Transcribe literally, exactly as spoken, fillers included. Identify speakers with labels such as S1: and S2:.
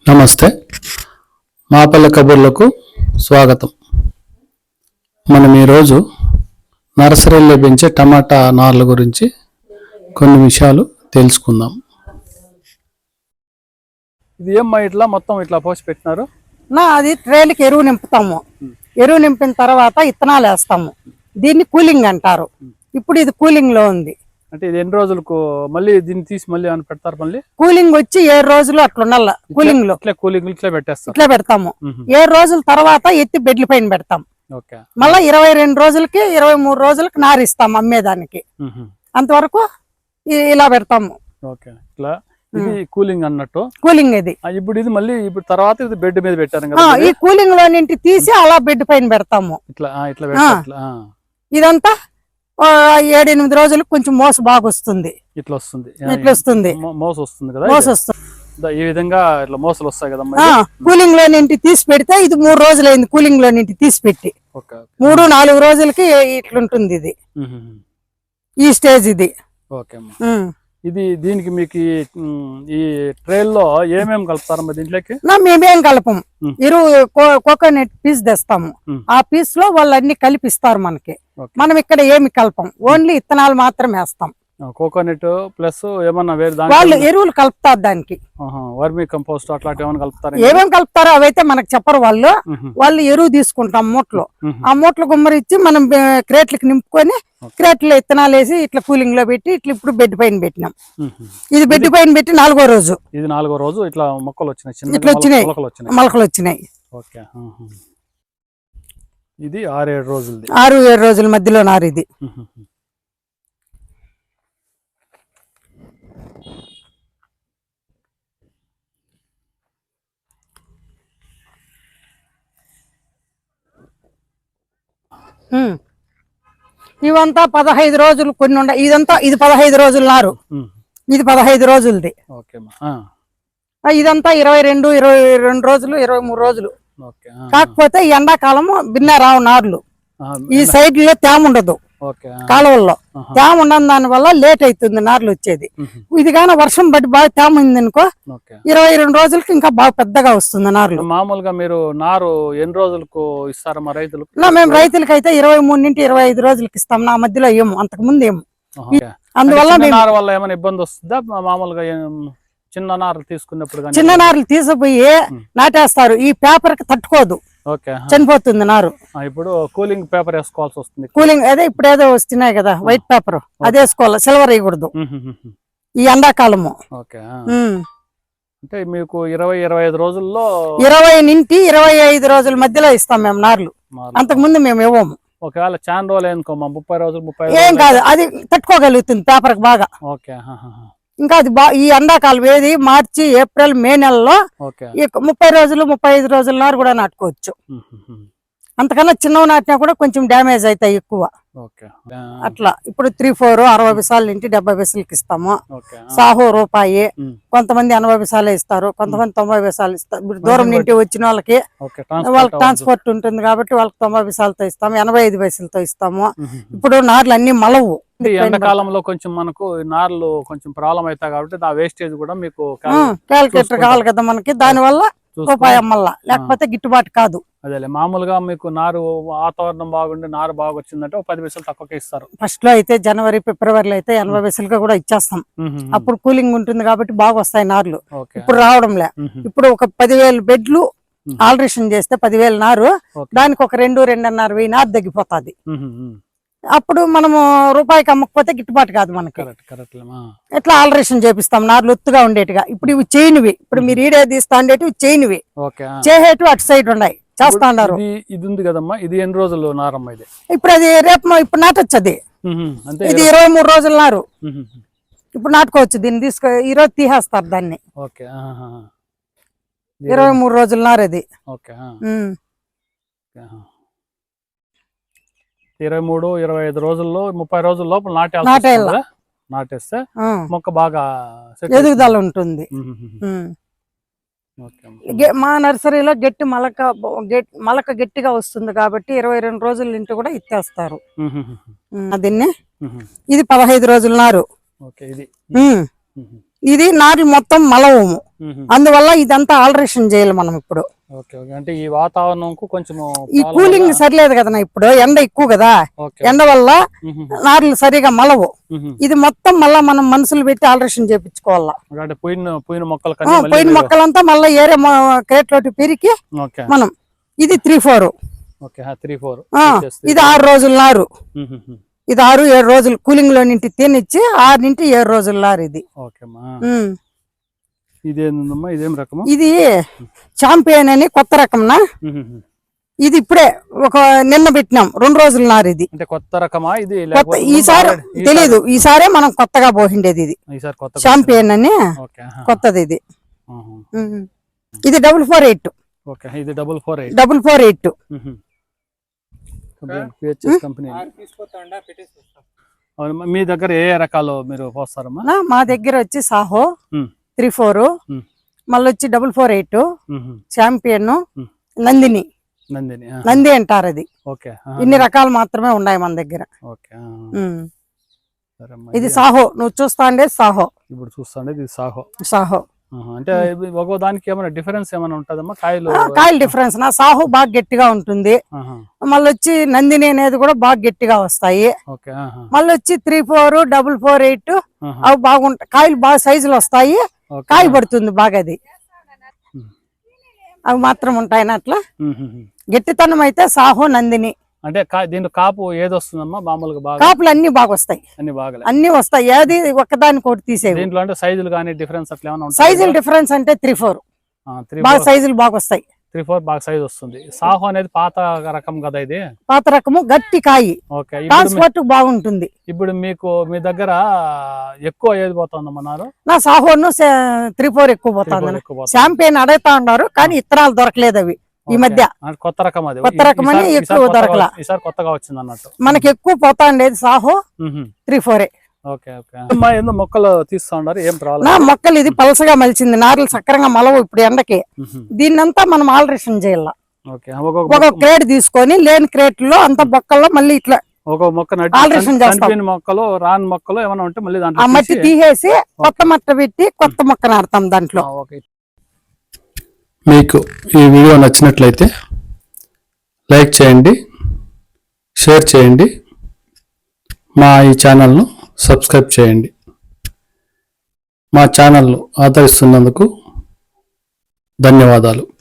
S1: నమస్తే, మాపల్లె కబుర్లకు స్వాగతం. మనం ఈరోజు నర్సరీలో పెంచే టమాటా నార్ల గురించి కొన్ని విషయాలు తెలుసుకుందాం. ఇది ఏమ్మా ఇట్లా మొత్తం ఇట్లా పోసి పెట్టినారు?
S2: నా అది ట్రేలకి ఎరువు నింపుతాము. ఎరువు నింపిన తర్వాత ఇత్తనాలు వేస్తాము. దీన్ని కూలింగ్ అంటారు. ఇప్పుడు ఇది కూలింగ్ లో ఉంది.
S1: అంటే ఇది ఎన్ని రోజులకు మళ్ళీ దీన్ని తీసి మళ్ళీ ఏమైనా పెడతారు? మళ్ళీ
S2: కూలింగ్ వచ్చి ఏడు రోజులు అట్లా ఉండాల. కూలింగ్ లో
S1: ఇట్లా కూలింగ్ ఇట్లా పెట్టేస్తాం.
S2: ఇట్లా పెడతాము. ఏడు రోజుల తర్వాత ఎత్తి బెడ్ల పైన పెడతాం. మళ్ళా ఇరవై రెండు రోజులకి ఇరవై మూడు రోజులకి నారిస్తాం అమ్మేదానికి. అంతవరకు ఇలా పెడతాము.
S1: ఇది కూలింగ్ అన్నట్టు.
S2: కూలింగ్ ఇది.
S1: ఇప్పుడు ఇది మళ్ళీ ఇప్పుడు తర్వాత ఇది బెడ్ మీద పెట్టారు.
S2: ఈ కూలింగ్ లో నింటి తీసి అలా బెడ్ పైన పెడతాము.
S1: ఇట్లా ఇట్లా
S2: ఇదంతా ఏడెనిమిది రోజులకు కొంచెం మోస బాగా వస్తుంది.
S1: ఇట్లా వస్తుంది
S2: ఇట్లా వస్తుంది
S1: మోస వస్తుంది కదా.
S2: మోస వస్తుంది.
S1: ఈ విధంగా ఇట్లా మోసలు వస్తాయి కదా.
S2: కూలింగ్ లో నింటి తీసి పెడితే ఇది మూడు రోజులు అయింది. కూలింగ్ లో నింటి తీసి పెట్టి మూడు నాలుగు రోజులకి ఇట్లుంటుంది. ఇది ఈ స్టేజ్ ఇది.
S1: ఓకే, ఇది దీనికి మీకు ఈ ట్రైల్లో ఏమేమి కలుపుతారమ్మా దీంట్లోకి?
S2: మేమేం కలపము. ఇరు కోకోనట్ పీస్ తెస్తాము. ఆ పీస్ లో వాళ్ళు అన్ని కలిపిస్తారు మనకి. మనం ఇక్కడ ఏమి కలపం, ఓన్లీ ఇత్తనాలు మాత్రం వేస్తాం.
S1: కోకోనట్ ప్లస్ ఏమన్నా వేరే
S2: వాళ్ళు ఎరువులు కలుపుతారు దానికి.
S1: వర్మీ కంపోస్ట్ అట్లాంటి ఏమైనా కలుపుతారు?
S2: ఏమేమి కలుపుతారో అవైతే మనకు చెప్పరు వాళ్ళు. వాళ్ళు ఎరువు తీసుకుంటాం మూటలో. ఆ మూటలు గుమ్మరిచ్చి మనం క్రేట్లకి నింపుకొని క్రేట్లో ఇత్తనాలు వేసి ఇట్లా కూలింగ్ లో పెట్టి ఇట్లా ఇప్పుడు బెడ్ పైన పెట్టినాం. ఇది బెడ్ పైన పెట్టి నాలుగో రోజు.
S1: ఇది నాలుగో రోజు ఇట్లా మొక్కలు వచ్చినాయి.
S2: ఇట్లా వచ్చినాయి మొలకలు వచ్చినాయి.
S1: ఓకే, ఇది ఆరు ఏడు రోజులు.
S2: ఆరు ఏడు రోజుల మధ్యలో నారు ఇది. ఇవంతా పదహైదు రోజులు కొన్ని ఉండ. ఇదంతా ఇది పదహైదు రోజులు నారు. ఇది పదహైదు రోజులది. ఇదంతా ఇరవై రెండు ఇరవై రెండు రోజులు ఇరవై మూడు రోజులు. కాకపోతే ఈ ఎండాకాలము భిన్న రావు నార్లు. ఈ సైడ్ లో తేమ ఉండదు. కాలువల్లో తేమ ఉండని దాని వల్ల లేట్ అవుతుంది నార్లు వచ్చేది. ఇది కానీ వర్షం బట్టి బాగా తేమ ఉంది అనుకో, ఇరవై రెండు రోజులకి ఇంకా బాగా పెద్దగా వస్తుంది నార్లు.
S1: మామూలుగా మీరు నారు ఎన్ని రోజులకు ఇస్తారా మా రైతులకు?
S2: మేము రైతులకి అయితే ఇరవై మూడు నుండి ఇరవై ఐదు రోజులకి ఇస్తాం. నా మధ్యలో ఏమో అంతకు ముందు ఏమో. అందువల్ల
S1: నారు వల్ల ఏమైనా ఇబ్బంది వస్తుందా? మామూలుగా చిన్న నారులు తీసుకున్నప్పుడు
S2: చిన్న నారులు తీసుకుపోయి నాటేస్తారు. ఈ పేపర్ కి తట్టుకోదు, చనిపోతుంది నారు.
S1: ఇప్పుడు కూలింగ్ పేపర్ వేసుకోవాల్సి వస్తుంది.
S2: కూలింగ్ అదే ఇప్పుడు ఏదో వస్తున్నాయి కదా వైట్ పేపర్, అది వేసుకోవాలి. సిల్వర్ వేయకూడదు ఈ ఎండాకాలము.
S1: అంటే మీకు ఇరవై ఇరవై ఐదు రోజుల్లో
S2: ఇరవై నుండి ఇరవై ఐదు రోజుల మధ్యలో ఇస్తాం మేము నార్లు. అంతకు ముందు మేము ఇవ్వము.
S1: ఒకవేళ చాలా రోజులు అనుకో ముప్పై రోజులు ముప్పై
S2: ఏం కాదు, అది తట్టుకోగలుగుతుంది పేపర్ కి బాగా.
S1: ఓకే,
S2: ఇంకా అది బా ఈ ఎండాకాలం ఏది మార్చి ఏప్రిల్ మే నెలలో ముప్పై రోజులు ముప్పై ఐదు రోజుల నారు కూడా నాటుకోవచ్చు. అంతకన్నా చిన్నవి నాటినా కూడా కొంచెం డ్యామేజ్ అవుతాయి ఎక్కువ. అట్లా ఇప్పుడు త్రీ ఫోర్ అరవై విసాల నుంచి డెబ్బై విసాలకి ఇస్తాము. సాహో రూపాయి, కొంతమంది ఎనభై విసాలే ఇస్తారు, కొంతమంది తొంభై విసాలు ఇస్తారు. ఇప్పుడు దూరం నుండి వచ్చిన వాళ్ళకి వాళ్ళకి ట్రాన్స్పోర్ట్ ఉంటుంది కాబట్టి వాళ్ళకి తొంభై విసాలతో ఇస్తాము, ఎనభై ఐదు పైసలతో ఇస్తాము. ఇప్పుడు నార్లు అన్ని మలవు.
S1: ఎండాకాలంలో కొంచెం మనకు నార్లు కొంచెం ప్రాబ్లం అవుతాయి కాబట్టి ఆ వేస్టేజ్ కూడా మీకు
S2: క్యాలిక్యులేటర్ కావాలి కదా మనకి. దాని వల్ల రూపాయి అమ్మల్లా, లేకపోతే గిట్టుబాటు కాదు.
S1: అదే మామూలుగా మీకు నారు వాతావరణం బాగుండి నారు బాగా వచ్చిందంటే ఒక పది పైసలు తక్కువకే ఇస్తారు.
S2: ఫస్ట్ లో అయితే జనవరి ఫిబ్రవరిలో అయితే ఎనభై పైసలుగా కూడా ఇచ్చేస్తాం. అప్పుడు కూలింగ్ ఉంటుంది కాబట్టి బాగా వస్తాయి నార్లు. ఇప్పుడు రావడంలే. ఇప్పుడు ఒక పదివేలు బెడ్లు ఆల్టరేషన్ చేస్తే పదివేలు నారు, దానికి ఒక రెండు రెండున్నర వెయ్యి నారు తగ్గిపోతుంది. అప్పుడు మనము రూపాయికి అమ్మకపోతే గిట్టుబాటు కాదు మనకి. ఎట్లా ఆల్టరేషన్ చేపిస్తాం నార్లు ఒత్తుగా ఉండేట్టుగా. ఇప్పుడు ఇవి చైన్వి, ఇప్పుడు మీరు ఈడే తీస్తా ఉండేటివి చైన్వి, చేసేటివి అటు సైడ్ ఉన్నాయి చేస్తా ఉన్నారు.
S1: ఇది ఉంది కదమ్మా, ఇది ఎన్ని రోజులు నారమ్మ? ఇది
S2: ఇప్పుడు అది రేపు ఇప్పుడు నాటొచ్చు. అది ఇది ఇరవై మూడు రోజుల నారు. ఇప్పుడు నాటుకోవచ్చు. దీన్ని తీసుకో ఈ రోజు తీసేస్తారు దాన్ని. ఇరవై మూడు రోజుల నారు అది.
S1: ఇరవై మూడు ఇరవై ఐదు రోజుల్లో ముప్పై రోజుల లోపల నాటే నాటేస్తే మొక్క బాగా
S2: ఎదుగుదల ఉంటుంది. మా నర్సరీలో గట్టి మలక మలక గట్టిగా వస్తుంది కాబట్టి ఇరవై రెండు రోజుల ఇంటి కూడా ఇచ్చేస్తారు దీన్ని. ఇది పదహైదు రోజుల నారు. ఇది నారు మొత్తం మలవము. అందువల్ల ఇదంతా ఆల్టరేషన్ చేయాలి మనం ఇప్పుడు.
S1: ఓకే ఓకే అంటే ఈ వాతావరణంకు కొంచెం
S2: ఈ కూలింగ్ సరిలేదు కదా ఇప్పుడు, ఎండ ఎక్కువ కదా, ఎండ వల్ల నార్లు సరిగా మలవు. ఇది మొత్తం మళ్ళా మనం మనుషులు పెట్టి ఆల్టరేషన్ చేపించుకోవాలా.
S1: అంటే పోయిన పోయిన మొక్కలు
S2: పోయిన మొక్కలంతా మళ్ళీ ఏరే క్రేట్ లోటి పెరిగి మనం ఇది త్రీ ఫోర్
S1: త్రీ ఫోర్
S2: ఇది ఆరు రోజుల నారు. ఇది ఆరు ఏడు రోజులు కూలింగ్ లో నింటి తినిచ్చి ఆరు నింటి ఏడు రోజుల నారు ఇది.
S1: ఇదేందమ్మా ఇదేం రకం?
S2: ఇది చాంపియన్ అని కొత్త రకంనా. ఇది ఇప్పుడే ఒక నిన్న పెట్టినాం, రెండు రోజుల నారు ఇది.
S1: అంటే కొత్త రకమా ఇది?
S2: ఈసారి తెలీదు, ఈసారే మనం కొత్తగా పోసిండేది ఇది చాంపియన్ అని, కొత్తది ఇది. ఇది డబుల్ ఫోర్ ఎయిట్
S1: ఇది double four eight
S2: double four eight
S1: company. మీ దగ్గర ఏ రకాలు మీరు పోస్తారమ్మా?
S2: మా దగ్గర వచ్చి సాహో త్రీ ఫోర్, మళ్ళీ వచ్చి double four eight, champion, Nandini.
S1: Nandini
S2: Nandi అంటారు అది. ఇన్ని రకాలు మాత్రమే ఉన్నాయి మన దగ్గర. ఇది సాహో, నువ్వు చూస్తా ఉండే సాహో.
S1: ఇప్పుడు చూస్తా ఉండేది సాహో.
S2: సాహో
S1: అంటే ఒక్కో దానికి ఏమైనా డిఫరెన్స్ ఏమైనా ఉంటుందమ్మా? కాయలు
S2: కాయలు డిఫరెన్స్ నా సాహు బాగా గట్టిగా ఉంటుంది, మళ్ళీ వచ్చి నందిని అనేది కూడా బాగా గట్టిగా వస్తాయి. మళ్ళీ వచ్చి three four double four eight అవి బాగుంటాయి, కాయలు బాగా సైజులు వస్తాయి, కాయ పడుతుంది బాగా. అది అవి మాత్రం ఉంటాయి అట్లా. గట్టితనం అయితే సాహో నందిని.
S1: అంటే దీని కాపు ఏది వస్తుందమ్మా మామూలుగా? బాగా
S2: కాపులు అన్ని బాగా వస్తాయి,
S1: అన్ని బాగా
S2: అన్ని వస్తాయి, ఏది ఒక్కదానికి ఒకటి తీసే.
S1: దీంట్లో అంటే సైజులు కానీ డిఫరెన్స్ అట్లా ఏమైనా?
S2: సైజులు డిఫరెన్స్ అంటే త్రీ ఫోర్ బాగా సైజులు బాగా వస్తాయి.
S1: త్రీ ఫోర్ బాగా సైజ్ వస్తుంది. సాహో అనేది పాత రకం కదా ఇది?
S2: పాత రకము, గట్టి కాయి, ట్రాన్స్పోర్ట్ బాగుంటుంది.
S1: ఇప్పుడు మీకు మీ దగ్గర ఎక్కువ ఏది పోతుందమ్మన్నారు?
S2: నా సాహోను త్రీ ఫోర్ ఎక్కువ పోతుంది. చాంపియన్ అడుగుతా ఉన్నారు కానీ ఇత్తనాలు దొరకలేదు అవి ఈ మధ్య.
S1: కొత్త రకం అది,
S2: కొత్త రకం అని ఎక్కువ దొరకలా.
S1: ఈసారి కొత్తగా వచ్చింది అన్నట్టు.
S2: మనకి ఎక్కువ పోతా ఉండేది సాహో త్రీ ఫోరే.
S1: ఓకే ఓకే ఏందో మొక్కలు తీస్తా ఉన్నారు, ఏం ప్రాబ్లం?
S2: నా మొక్కలు ఇది పలసగా మలిచింది, నార్లు సక్రంగా మలవు ఇప్పుడు ఎండకి. దీన్నంతా మనం ఆల్టరేషన్ చేయాల. ఒక క్రేట్ తీసుకొని లేని క్రేట్ లో అంత బొక్కల్లో మళ్ళీ ఇట్లా
S1: ఒక మొక్క
S2: ఆల్టరేషన్ చేస్తాం.
S1: మొక్కలు రాని మొక్కలు ఏమైనా ఉంటే మళ్ళీ
S2: ఆ మట్టి తీసేసి కొత్త మట్ట పెట్టి కొత్త మొక్క నాడతాం దాంట్లో.
S1: మీకు ఈ వీడియో నచ్చినట్లయితే లైక్ చేయండి, షేర్ చేయండి, మా ఈ ఛానల్ను సబ్స్క్రైబ్ చేయండి. మా ఛానల్ను ఆదరిస్తున్నందుకు ధన్యవాదాలు.